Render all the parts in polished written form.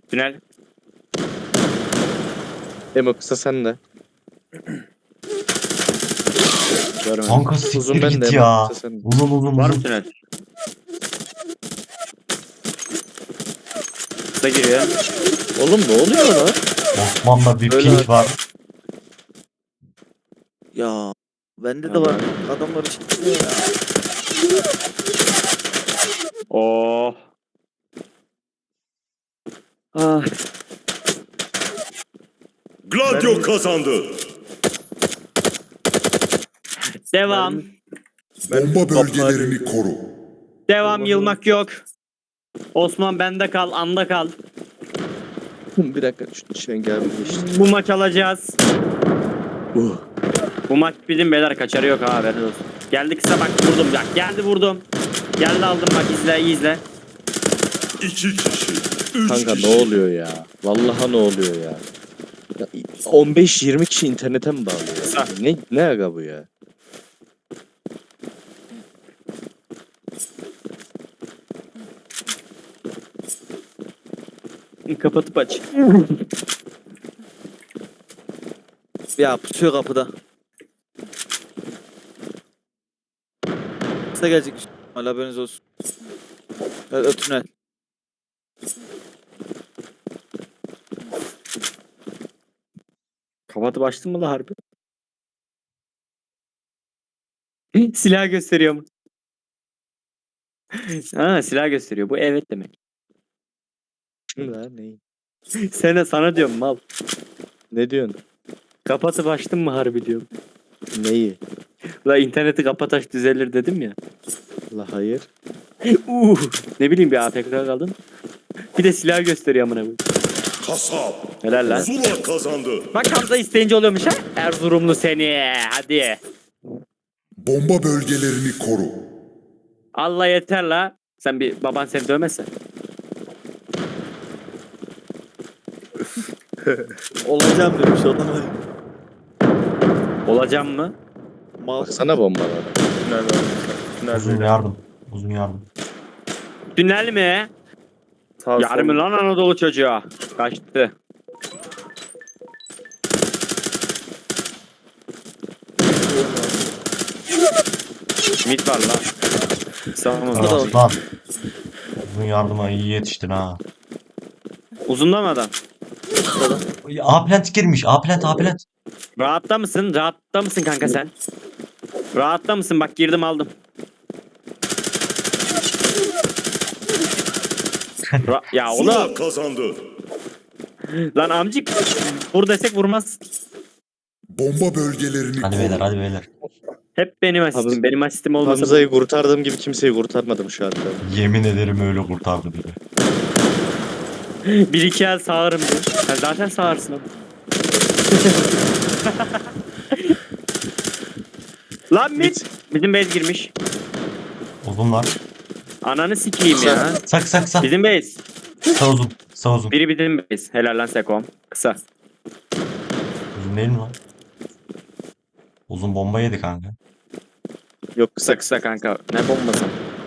Tünel. Emo kısa sen de. Görmedim. Kanka Uzun siktir ben de git Emo ya. kısa sen de. Uzun Var mı uzun. tünel? Kısa giriyor. Oğlum ne oluyor lan? Osman'da bir Öyle pink abi. var. Ya bende de Tamam. var. Adamlar için. Oh. Ah. Gladio kazandı. Devam. Bomba bölgelerini koru. Devam, yılmak yok. Osman bende kal, anda kal. Bir dakika şu şengel geçti. Bu maç alacağız. Bu maç bizim beyler, kaçarı yok ha, haberiniz olsun. Geldi kısa, bak vurdum ya. Geldi vurdum. Geldi aldım, bak izle iyi izle. 2 kişi. 3 Kanka kişi. ne oluyor ya? Vallahi ne oluyor ya? 15-20 kişi internete mi bağlıyor? Kısa. Ne aga bu ya? Kapatıp aç. Ya pusuyor kapıda. Kısa gelecek. Hala haberiniz olsun. Evet, tünel. Kapatıp açtın mı la harbi? Silah gösteriyor mu? Ha, silah gösteriyor. Bu evet demek. Kim lan ne? Sana diyorum mal. Ne diyorsun? Kapatıp açtın mı harbi diyorum. Neyi? La interneti kapat aç düzelir dedim ya. La hayır. Ne bileyim, bir AFK kaldım. Bir de silah gösteriyor amına koyayım. Kasap. Helal lan. Zula kazandı. Bak Hamza isteyince oluyormuş ha. Erzurumlu seni. Hadi. Bomba bölgelerini koru. Allah yeter la. Sen bir baban seni dövmezse. Olacağım demiş olamadım. Olacağım mı? Mal. Baksana bombalara. Uzun yardım. Uzun yardım. Tünel mi? Yarım lan Anadolu çocuğa. Kaçtı. Mid var lan. Sağımız Burada da var. Aslan. Uzun yardıma iyi yetiştin ha. Uzunda mı adam? A plant girmiş. A plant. Rahatta mısın? Rahatta mısın kanka sen? Rahatta mısın? Bak girdim aldım. Ya Zula oğlum. kazandı. Lan amcık. Vur desek vurmaz. Bomba bölgelerini Hadi koru. beyler hadi beyler. Hep benim asistim. Hamza- Benim asistim olmasa. Hamza'yı kurtardığım gibi kimseyi kurtarmadım şu anda. Yemin ederim öyle kurtardı beni. Bir iki el sağırım diyor. Sen zaten sağırsın ama. Lan mid. Bizim base girmiş. Uzun var. Ananı sikeyim ya. Sak. Bizim base. Sağ uzun. Biri bizim base. Helal lan Sekom. Kısa. Uzun değil mi lan? Uzun bomba yedi kanka. Yok Kısa kısa kısa kanka. Ne bombası?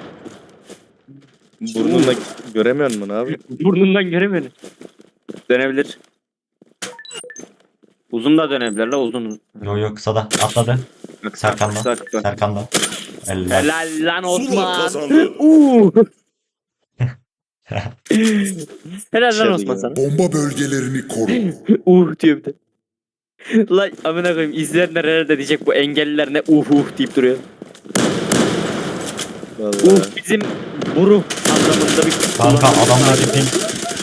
burnunla göremiyor musun abi? Burnundan göremiyorum. Dönebilir. Uzun da dönebilir la uzun. Yo kısa da atladı. Bak, Serkan'da. kısa, kısa. Serkan'da. Eller. Helal lan Zula Osman. kazandı. Helal lan Şöyle Osman ya. sana. Bomba bölgelerini koru. Diyor bir de. Lan amına koyayım, izleyenler herhalde diyecek bu engelliler ne deyip duruyor. Vallahi. Bizim buru anlamında bir Kanka adamdaki pink.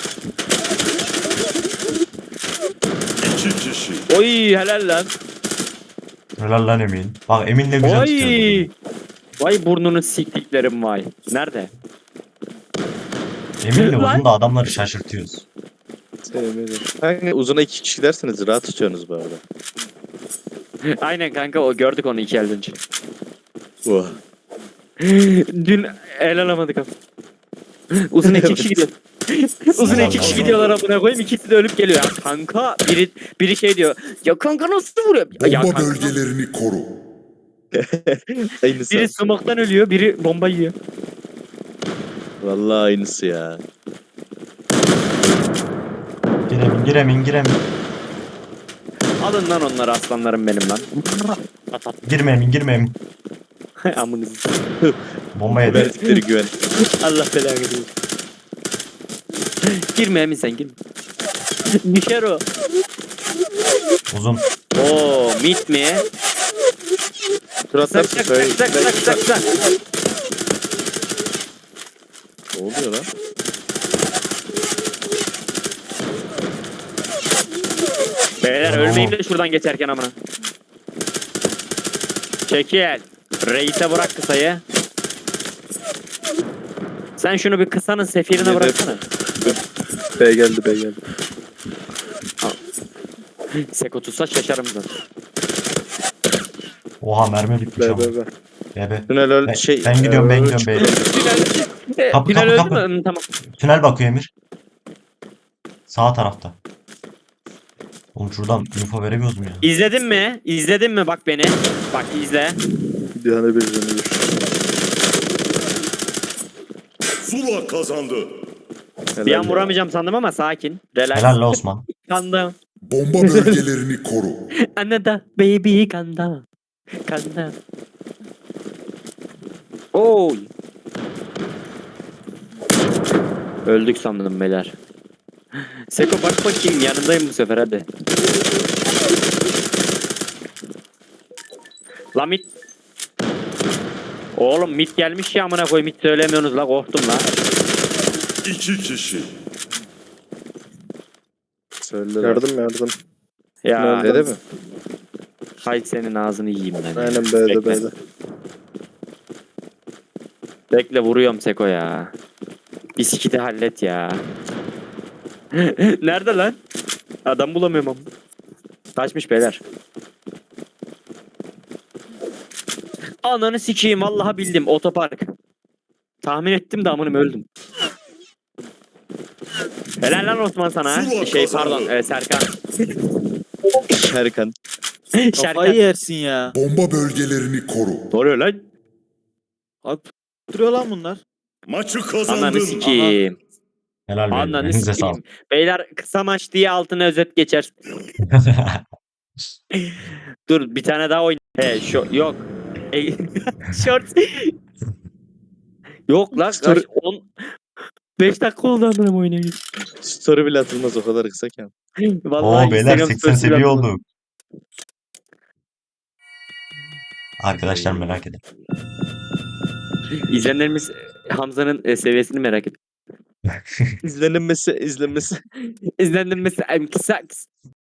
2 kişi. Oy helal lan. Helal lan Emin. Bak Emin ne güzel tutuyor. Oy. Vay burnunu siktiklerim vay. Nerede? Emin'le Lan. uzun da adamları şaşırtıyoruz. Sevmedim. Kanka uzuna 2 kişi derseniz rahat tutuyorsunuz bu arada. Aynen kanka, o gördük onu 2 el önce. Oh. Dün el alamadık abi. Uzun 2 kişi gidiyor. Uzun 2 kişi gidiyorlar amına koyayım, ikisi de ölüp geliyor. Ya kanka biri şey diyor. Ya kanka nasıl vuruyor? Ya Bomba kanka. bölgelerini koru. Aynısı. Biri smoke'tan ölüyor, biri bomba yiyor. Vallahi aynısı ya. Giremeyin. Alın lan onları aslanlarım benim lan. Girmeyin. Amınızı. Bomba yedi. Verdikleri güven. Allah belanı versin. Girme Emin sen girme. Düşer o. Uzun. Oo mit mi? Tur Sak atarsın sak söyle. sak sak sak sak. Ne oluyor lan? Beyler Oo. ölmeyeyim de şuradan geçerken amına. Çekil. Reis'e bırak kısayı. Sen şunu bir kısanın sefirine Yedi. bıraksana. B geldi. Seko tutsa şaşarım zaten. Oha mermi bitmiş ama. B. B. Tünel öl Ben- şey. ben gidiyorum, ben gidiyorum, çıkıyor. beyler. Kapı, Final kapı, öldü mü? Hı, tamam. Tünel bakıyor Emir. Sağ tarafta. Oğlum şuradan info veremiyoruz mu ya? İzledin mi? İzledin mi bak beni? Bak izle. Bir tane bir canı bir. Zula kazandı. Bir an vuramayacağım sandım ama sakin. Relax. Helal la Osman. Kandım. Bomba bölgelerini koru. Anne da baby kanda. Kanda. Oy. Öldük sandım beyler. Seko bak bakayım yanındayım bu sefer hadi. La mit. Oğlum mit gelmiş ya amına koy mit söylemiyorsunuz la korktum la. 2 kişi. Söylediler. Yardım. Ya Tünelde mi? hay senin ağzını yiyeyim ben. ya. Aynen B'de Bekle. B'de. Bekle vuruyorum Seko ya. Bisikleti hallet ya. Nerede lan? Adam bulamıyorum ama. Kaçmış beyler. Ananı sikeyim vallahi bildim otopark. Tahmin ettim de amınım öldüm. Helal lan Osman sana. ha. Zula Şey kazandı. pardon Serkan. Şerkan. Kafayı Serkan. yersin ya. Bomba bölgelerini koru. Ne oluyor lan? Abi duruyor lan bunlar. Maçı Ananı kazandın. sikeyim. Helal beyler. Ananı Elinize sikeyim. sağlık. Beyler kısa maç diye altına özet geçer. Dur bir tane daha oyn. Yok. Short. Yok lan. Story- 5 dakika oldu amına oynayayım. Story bile atılmaz o kadar kısa ki. Vallahi Oo beyler Instagram 80 story'si seviye yapmadım. olduk. Arkadaşlar merak edin. İzleyenlerimiz Hamza'nın seviyesini merak ediyor. İzlenmesi. İzlenmesi kısa